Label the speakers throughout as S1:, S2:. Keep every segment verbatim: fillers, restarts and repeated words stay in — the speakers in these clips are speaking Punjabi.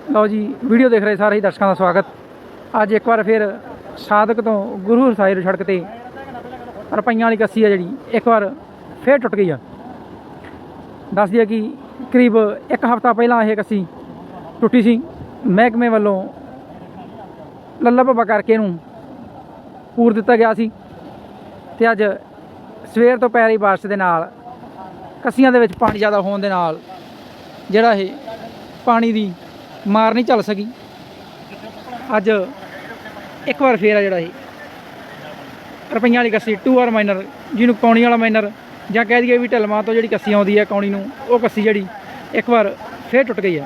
S1: ਲਓ ਜੀ, ਵੀਡੀਓ ਦੇਖ ਰਹੇ ਸਾਰੇ ਹੀ ਦਰਸ਼ਕਾਂ ਦਾ ਸਵਾਗਤ। ਅੱਜ ਇੱਕ ਵਾਰ ਫਿਰ ਸਾਦਕ ਤੋਂ ਗੁਰੂ ਹਰਸਾਏ ਸੜਕ ਤੇ ਰੁਪਈਆਂ ਵਾਲੀ ਕੱਸੀ ਆ ਜਿਹੜੀ ਇੱਕ ਵਾਰ ਫਿਰ ਟੁੱਟ ਗਈ ਆ। ਦੱਸ ਦਈਏ ਕਿ ਕਰੀਬ ਇੱਕ ਹਫ਼ਤਾ ਪਹਿਲਾਂ ਇਹ ਕੱਸੀ ਟੁੱਟੀ ਸੀ। ਮਹਿਕਮੇ ਵੱਲੋਂ ਲੱਲਾ ਭੱਬਾ ਕਰਕੇ ਇਹਨੂੰ ਪੂਰ ਦਿੱਤਾ ਗਿਆ ਸੀ ਤੇ ਅੱਜ ਸਵੇਰ ਤੋਂ ਪੈ ਰਹੀ ਬਾਰਿਸ਼ ਦੇ ਨਾਲ ਕੱਸੀਆਂ ਦੇ ਵਿੱਚ ਪਾਣੀ ਜ਼ਿਆਦਾ ਹੋਣ ਦੇ ਨਾਲ ਜਿਹੜਾ ਇਹ ਪਾਣੀ ਦੀ ਮਾਰ ਨਹੀਂ ਚੱਲ ਸਕੀ। ਅੱਜ ਇੱਕ ਵਾਰ ਫੇਰ ਆ ਜਿਹੜਾ ਇਹ ਰੁਪਈਆਂ ਵਾਲੀ ਕੱਸੀ ਟੂ ਆਰ ਮਾਈਨਰ, ਜਿਹਨੂੰ ਕੌਣੀ ਵਾਲਾ ਮਾਈਨਰ ਜਾਂ ਕਹਿ ਦਈਏ ਵੀ ਢਲਵਾਂ ਤੋਂ ਜਿਹੜੀ ਕੱਸੀ ਆਉਂਦੀ ਹੈ ਕੌਣੀ ਨੂੰ, ਉਹ ਕੱਸੀ ਜਿਹੜੀ ਇੱਕ ਵਾਰ ਫੇਰ ਟੁੱਟ ਗਈ ਹੈ।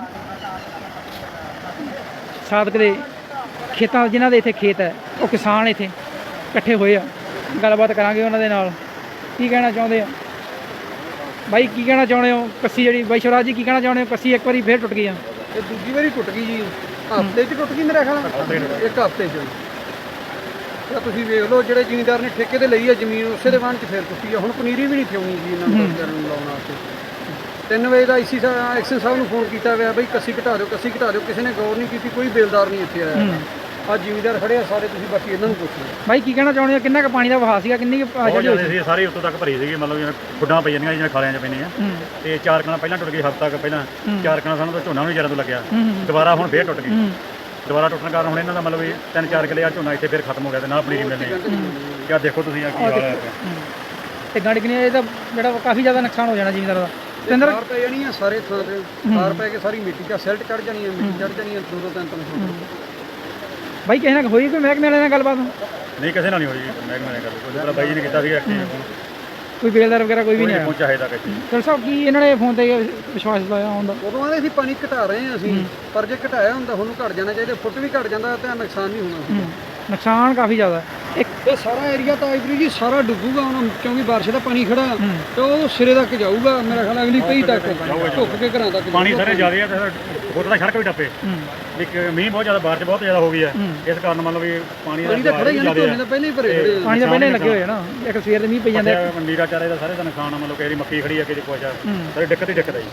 S1: ਸਾਦਕ ਦੇ ਖੇਤਾਂ ਜਿਨ੍ਹਾਂ ਦੇ ਇੱਥੇ ਖੇਤ ਹੈ, ਉਹ ਕਿਸਾਨ ਇੱਥੇ ਇਕੱਠੇ ਹੋਏ ਆ। ਗੱਲਬਾਤ ਕਰਾਂਗੇ ਉਹਨਾਂ ਦੇ ਨਾਲ, ਕੀ ਕਹਿਣਾ ਚਾਹੁੰਦੇ ਆ ਬਾਈ, ਕੀ ਕਹਿਣਾ ਚਾਹੁੰਦੇ ਹੋ ਕੱਸੀ ਜਿਹੜੀ ਬਾਈ ਸ਼ਿਵਰਾਜ ਜੀ ਕੀ ਕਹਿਣਾ ਚਾਹੁੰਦੇ ਹੋ? ਕੱਸੀ ਇੱਕ ਵਾਰੀ ਫੇਰ ਟੁੱਟ ਗਈ ਆ।
S2: ਇਹ ਦੂਜੀ ਵਾਰੀ ਟੁੱਟ ਗਈ ਜੀ, ਹਫ਼ਤੇ 'ਚ ਟੁੱਟ ਗਈ ਮੇਰੇ ਖਿਆਲ ਇੱਕ ਹਫ਼ਤੇ 'ਚ। ਤਾਂ ਤੁਸੀਂ ਵੇਖ ਲਓ, ਜਿਹੜੇ ਜ਼ਿਮੀਂਦਾਰ ਨੇ ਠੇਕੇ ਤੇ ਲਈ ਆ ਜ਼ਮੀਨ, ਉਸੇ ਦੇ ਵਾਹਨ 'ਚ ਫੇਰ ਟੁੱਟੀ ਆ। ਹੁਣ ਪਨੀਰੀ ਵੀ ਨਹੀਂ ਥਿਉਣੀ ਜੀ ਇਹਨਾਂ ਨੂੰ ਵਿਚਾਰਿਆਂ ਨੂੰ ਲਾਉਣ ਵਾਸਤੇ। ਤਿੰਨ ਵਜੇ ਦਾ ਆਈਸੀ ਸਾਹਿਬ ਐਕਸ਼ਨ ਸਾਹਿਬ ਨੂੰ ਫੋਨ ਕੀਤਾ ਗਿਆ ਬਈ ਕੱਸੀ ਘਟਾ ਦਿਓ, ਕੱਸੀ ਘਟਾ ਦਿਓ। ਕਿਸੇ ਨੇ ਗੌਰ ਨਹੀਂ ਕੀਤੀ, ਕੋਈ ਬੇਲਦਾਰ ਨਹੀਂ ਇੱਥੇ ਆਇਆ। ਆ ਜ਼ਿਮੀਂਦਾਰ ਖੜੇ ਆ ਸਾਰੇ, ਤੁਸੀਂ ਬਾਕੀ ਇਹਨਾਂ ਨੂੰ ਪੁੱਛ ਲਓ।
S1: ਬਾਈ ਕੀ ਕਹਿਣਾ ਚਾਹੁੰਦੇ ਹੋ, ਕਿੰਨਾ ਕੁ ਪਾਣੀ ਦਾ ਵਹਾਅ ਸੀਗਾ, ਕਿੰਨੀ
S3: ਜਿਹੜੀ ਸਾਰੀ ਉੱਤੋਂ ਤੱਕ ਭਰੀ ਸੀਗੀ, ਮਤਲਬ ਜਿਵੇਂ ਖੁੱਡਾਂ ਪਈ ਜਾਂਦੀਆਂ ਜਿਵੇਂ ਖਾਲਿਆਂ 'ਚ ਪੈਂਦੀਆਂ। ਤੇ ਚਾਰ ਕਣਾ ਪਹਿਲਾਂ ਟੁੱਟ ਗਈ, ਹਫ਼ਤਾ ਕੁ ਪਹਿਲਾਂ ਚਾਰ ਕਣਾ ਸਾਨੂੰ ਤਾਂ ਝੋਨਾ ਵੀ ਜ਼ਿਆਦਾ ਤੋਂ ਲੱਗਿਆ। ਦੁਬਾਰਾ ਹੁਣ ਫੇਰ ਟੁੱਟ ਗਈ। ਦੁਬਾਰਾ ਟੁੱਟਣ ਕਾਰਨ ਹੁਣ ਇਹਨਾਂ ਦਾ ਮਤਲਬ ਵੀ ਤਿੰਨ ਚਾਰ ਕਿੱਲੇ ਆ ਝੋਨਾ ਇੱਥੇ ਫੇਰ ਖਤਮ ਹੋ ਗਿਆ ਤੇ ਨਾ ਪਨੀਰੀ ਮਿਲਣੀ। ਕਿਆ ਦੇਖੋ ਤੁਸੀਂ ਆ ਕੀ ਹਾਲ ਹੈ
S1: ਤੇ ਗੰਢ ਕਿੰਨੀ, ਇਹ ਤਾਂ ਜਿਹੜਾ ਕਾਫੀ ਜ਼ਿਆਦਾ ਨੁਕਸਾਨ ਹੋ ਜਾਣਾ ਜ਼ਿਮੀਂਦਾਰ ਦਾ।
S2: ਖਾਰ ਪੈ ਜਾਣੀ ਆ ਸਾਰੇ ਥਾਂ ਤੇ, ਖਾਰ ਪੈ ਕੇ ਸਾਰੀ ਮਿੱਟੀ 'ਚ ਸਿਲਟ ਚੜ੍ਹ ਜਾਣੀ ਆ, ਮਿੱਟੀ ਚੜ੍ਹ ਜਾਣੀ ਆ। ਦੋ ਦੋ ਤਿੰਨ ਤਿੰਨ ਫੁੱਟ
S1: ਬਾਈ ਕਿਸੇ ਨਾਲ ਹੋਈ ਕੋਈ ਮਹਿਕਮੇ ਵਾਲੇ ਨਾਲ ਗੱਲਬਾਤ?
S3: ਨਹੀਂ, ਕਿਸੇ ਨਾਲ ਨਹੀਂ ਹੋਈ ਮਹਿਕਮੇ ਨੇ ਗੱਲ। ਬਾਈ ਜੀ ਨੇ ਕੀਤਾ ਸੀਗਾ,
S1: ਕੋਈ ਬੇਲਦਾਰ ਵਗੈਰਾ ਕੋਈ ਵੀ ਨਹੀਂ ਆਇਆ
S3: ਪਹੁੰਚਾ ਹੈ ਤੱਕ।
S1: ਚਲ ਸਾਹਿਬ, ਕੀ ਇਹਨਾਂ ਨੇ ਫੋਨ ਤੇ ਵਿਸ਼ਵਾਸ ਦਿਵਾਇਆ ਹੁੰਦਾ?
S2: ਉਦੋਂ ਆਲੇ ਅਸੀਂ ਪਾਣੀ ਘਟਾ ਰਹੇ ਹਾਂ ਅਸੀਂ, ਪਰ ਜੇ ਘਟਾਇਆ ਹੁੰਦਾ ਹੁਣ ਘਟ ਜਾਣਾ ਚਾਹੀਦਾ। ਫੁੱਟ ਵੀ ਘਟ ਜਾਂਦਾ ਤਾਂ ਨੁਕਸਾਨ ਨਹੀਂ ਹੋਣਾ।
S1: ਨੁਕਸਾਨ ਕਾਫੀ ਜ਼ਿਆਦਾ। ਇੱਕ
S2: ਇਹ ਸਾਰਾ ਏਰੀਆ ਤਾਂ ਆਈਬਰੀ ਜੀ ਸਾਰਾ ਡੁੱਬੂਗਾ ਹੁਣ, ਕਿਉਂਕਿ ਬਾਰਿਸ਼ ਦਾ ਪਾਣੀ ਖੜਾ ਤੇ ਉਹ ਸਿਰੇ ਤੱਕ ਜਾਊਗਾ ਮੇਰਾ ਖਿਆਲ, ਅਗਲੀ ਕਈ ਤੱਕ ਢੁੱਕ ਕੇ ਘਰਾਂ ਤੱਕ।
S3: ਪਾਣੀ ਸਾਰੇ ਜ਼ਿਆਦਾ ਹੈ ਤੇ ਫੁੱਟ ਦਾ ਸੜਕ ਵੀ ਟੱਪੇ। ਇੱਕ ਮੀਂਹ ਬਹੁਤ ਜ਼ਿਆਦਾ, ਬਾਰਿਸ਼ ਬਹੁਤ ਜ਼ਿਆਦਾ ਹੋ ਗਈ ਹੈ, ਇਸ ਕਾਰਨ ਮਤਲਬ ਵੀ ਪਾਣੀ ਦਾ
S2: ਖੜਾ ਹੀ ਨਹੀਂ, ਪਹਿਲਾਂ ਹੀ ਭਰੇ ਖੜੇ।
S1: ਪਾਣੀ ਤਾਂ ਪਹਿਲਾਂ ਹੀ ਲੱਗੇ ਹੋਏ ਨਾ, ਇੱਕ ਸਵੇਰ ਦੇ ਮੀਂਹ ਪਈ ਜਾਂਦੇ।
S3: ਨੀਰਾ ਚਾਰੇ ਦਾ ਸਾਰੇ ਦਾ ਨੁਕਸਾਨ ਆ। ਮਤਲਬ ਕਈ ਮੱਕੀ ਖੜੀ ਆ, ਕਿਸੇ ਕੁਛ ਆ, ਸਾਰੇ ਦਿੱਕਤ ਹੀ ਦਿੱਕਤ ਆ ਜੀ।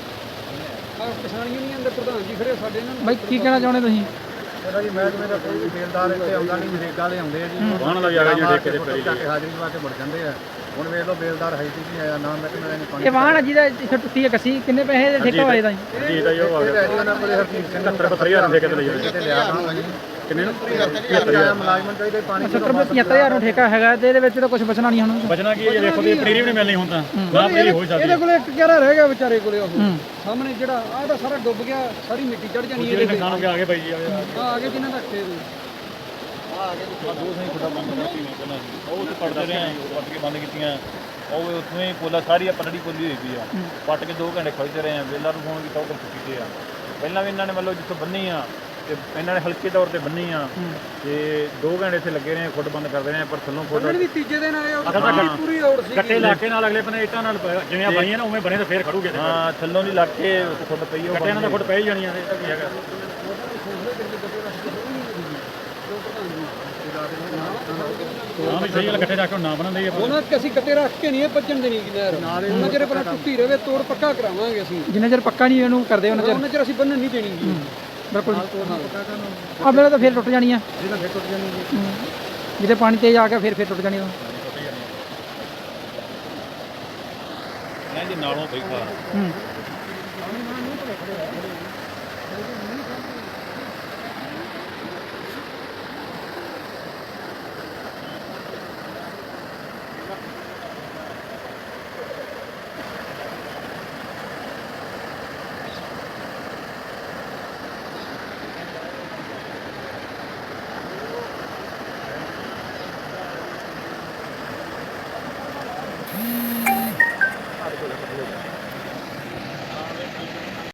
S2: ਕਿਸਾਨ ਯੂਨੀਅਨ ਦੇ ਪ੍ਰਧਾਨ ਜੀ ਖੜੇ ਸਾਡੇ ਨਾਲ।
S1: ਬਾਈ ਕੀ ਕਹਿਣਾ ਚਾਹੁੰਦੇ ਤੁਸੀਂ?
S2: ਇਹਦਾ ਜੀ ਮਹਿਕਮੇ ਦਾ ਕੋਈ ਬੇਲਦਾਰ ਇੱਥੇ ਆਉਂਦਾ ਨਹੀਂ, ਨਰੇਗਾ ਵਾਲੇ ਆਉਂਦੇ ਆ ਜੀ,
S3: ਵਾਹਣ ਦਾ ਵੀ ਆ ਗਿਆ ਜੀ ਠੇਕੇ ਤੇ ਪਈ
S2: ਜਾ ਕੇ ਹਾਜ਼ਰੀ ਦਵਾ ਕੇ ਮੁੜ ਜਾਂਦੇ ਆ। ਹੁਣ ਵੇਖ ਲਓ ਬੇਲਦਾਰ ਹੈ ਨਹੀਂ ਆਇਆ, ਨਾ ਮਹਿਕਮੇ ਨੇ ਪਾਣੀ।
S1: ਇਹ ਵਾਹਣ ਜਿਹਦਾ ਇੱਥੇ ਟੁੱਟੀ ਹੈ ਕੱਸੀ, ਕਿੰਨੇ ਪੈਸੇ ਦੇ ਠੇਕਾ ਹੋਏ ਦਾ ਜੀ?
S3: ਜੀ ਦਾ ਜੋ ਆ ਗਿਆ
S2: ਉਹਨਾਂ ਕੋਲੇ ਹਰਜੀਤ ਸਿੰਘ
S3: ਸੱਤਰ ਬਹੱਤਰ ਹਜ਼ਾਰ ਦੇ ਠੇਕੇ ਤੇ ਲਈ ਹੋਈ
S2: ਤੇ ਲਿਆ ਹੋਣਾ ਜੀ।
S3: ਕਿੰਨੇ ਨੂੰ
S2: ਮੁਲਾਜ਼ਮਾਂ ਚਾਹੀਦੇ ਪਾਣੀ
S1: ਸੱਤਰ ਪਝੱਤਰ ਹਜ਼ਾਰ ਨੂੰ ਠੇਕਾ ਹੈਗਾ ਤੇ ਇਹਦੇ ਵਿੱਚ ਤਾਂ ਕੁਝ ਬਚਣਾ ਨਹੀਂ ਹੁਣ।
S3: ਬਚਣਾ ਕੀ ਹੈ, ਦੇਖੋ ਤੇ ਪਨੀਰੀ ਵੀ ਨਹੀਂ ਮਿਲਣੀ ਹੁਣ ਤਾਂ, ਨਾ ਪਨੀਰੀ ਹੋ ਸਕਦੀ।
S2: ਇਹਦੇ ਕੋਲੇ ਇੱਕ ਕਿਹੜਾ ਰਹਿ ਗਿਆ ਵਿਚਾਰੇ ਕੋਲੇ, ਉਹ ਸਾਹਮਣੇ ਜਿਹੜਾ ਆਹ ਤਾਂ ਸਾਰਾ ਡੁੱਬ ਗਿਆ, ਸਾਰੀ ਮਿੱਟੀ ਚੜ ਜਾਣੀ ਇਹਦੇ ਤੇ।
S3: ਨੁਕਸਾਨ ਹੋ ਗਿਆ, ਆ ਗਏ ਬਾਈ ਜੀ,
S2: ਆ ਆ ਗਏ ਜਿਨ੍ਹਾਂ ਦਾ ਖੇਤ
S3: ਆ ਗਏ ਦੋ ਸਹੀ ਖੁੱਡਾ ਬੰਦ ਕਰਤੀ ਨੇ ਪਹਿਲਾਂ। ਉਹ ਤੇ ਪੜਦੇ ਰਹੇ, ਪੱਟ ਕੇ ਬੰਦ ਕੀਤੀਆਂ। ਉਹ ਉੱਥੋਂ ਹੀ ਪੋਲਾ ਸਾਰੀ ਆ ਪਟੜੀ ਪੋਲੀ ਹੋਈ ਪਈ ਆ, ਪੱਟ ਕੇ ਦੋ ਘੰਟੇ ਖੜਦੇ ਰਹੇ ਆ। ਵੇਲਾ ਨੂੰ ਫੋਨ ਕੀਤਾ, ਉਹ ਚੁੱਕੀ ਤੇ ਆ। ਪਹਿਲਾਂ ਵੀ ਇਹਨਾਂ ਨੇ ਮਤਲਬ ਜਿੱਥੋਂ ਬੰਨੀ ਆ ਤੇ ਇਹਨਾਂ ਨੇ ਹਲਕੇ ਤੌਰ ਤੇ ਬੰਨੀ ਆ ਤੇ ਦੋ ਘੰਟੇ ਇੱਥੇ ਲੱਗੇ ਰਹੇ, ਖੁੱਡ ਬੰਦ ਕਰਦੇ ਰਹੇ, ਪਰ ਥੱਲੋਂ ਖੁੱਡ
S2: ਵੀ ਤੀਜੇ ਦਿਨ ਆਏ। ਉਹ ਪੂਰੀ ਔੜ ਸੀ,
S3: ਕੱਟੇ ਇਲਾਕੇ ਨਾਲ ਅਗਲੇ ਬੰਨੇ ਇੱਟਾਂ ਨਾਲ ਜਿਵੇਂ ਬਣੀਆਂ ਨਾ ਉਵੇਂ ਬਣੇ ਤਾਂ ਫੇਰ ਖੜੂਗੇ। ਹਾਂ, ਥੱਲੋਂ ਦੀ ਲੱਗ ਕੇ ਖੁੱਡ ਪਈ, ਉਹ ਕੱਟੇ ਨਾਲ ਤਾਂ ਖੁੱਡ ਪੈ ਹੀ ਜਾਣੀਆਂ ਨੇ। ਕੀ ਹੈਗਾ ਹਾਂ ਵੀ ਸਹੀ ਗੱਲ, ਇਕੱਠੇ ਰੱਖ ਕੇ ਨਾ ਬਣਾਉਂਦੇ ਆ।
S2: ਉਹਨਾਂ ਕਿ ਅਸੀਂ ਕੱਟੇ ਰੱਖ ਕੇ ਨਹੀਂ ਇਹ ਭੱਜਣ ਦੇਣੀ ਨਹਿਰ। ਉਹਨਾਂ ਚਿਰ ਪਹਿਲਾਂ ਟੁੱਟੀ ਰਵੇ, ਤੋੜ ਪੱਕਾ ਕਰਾਵਾਂਗੇ ਅਸੀਂ।
S1: ਜਿੰਨਾ ਚਿਰ ਪੱਕਾ ਨਹੀਂ ਇਹਨੂੰ ਕਰਦੇ ਉਹਨਾਂ ਚਿਰ
S2: ਉਹਨਾਂ ਚਿਰ ਅਸੀਂ ਬੰਨਣ ਨਹੀਂ ਦੇਣੀ ਜੀ।
S1: ਬਿਲਕੁਲ ਆ ਮੇਰਾ ਤਾਂ ਫੇਰ ਟੁੱਟ ਜਾਣੀ ਆ,
S2: ਜਿਹਨਾਂ ਫੇਰ ਟੁੱਟ ਜਾਣੀ ਜੀ।
S1: ਜਿੱਥੇ ਪਾਣੀ ਤੇਜ਼ ਆ ਗਿਆ ਫੇਰ ਫੇਰ ਟੁੱਟ ਜਾਣੀ ਉਹ
S3: ਜੀ ਨਾਲੋਂ ਬੈਠਾ।
S1: ਹੂੰ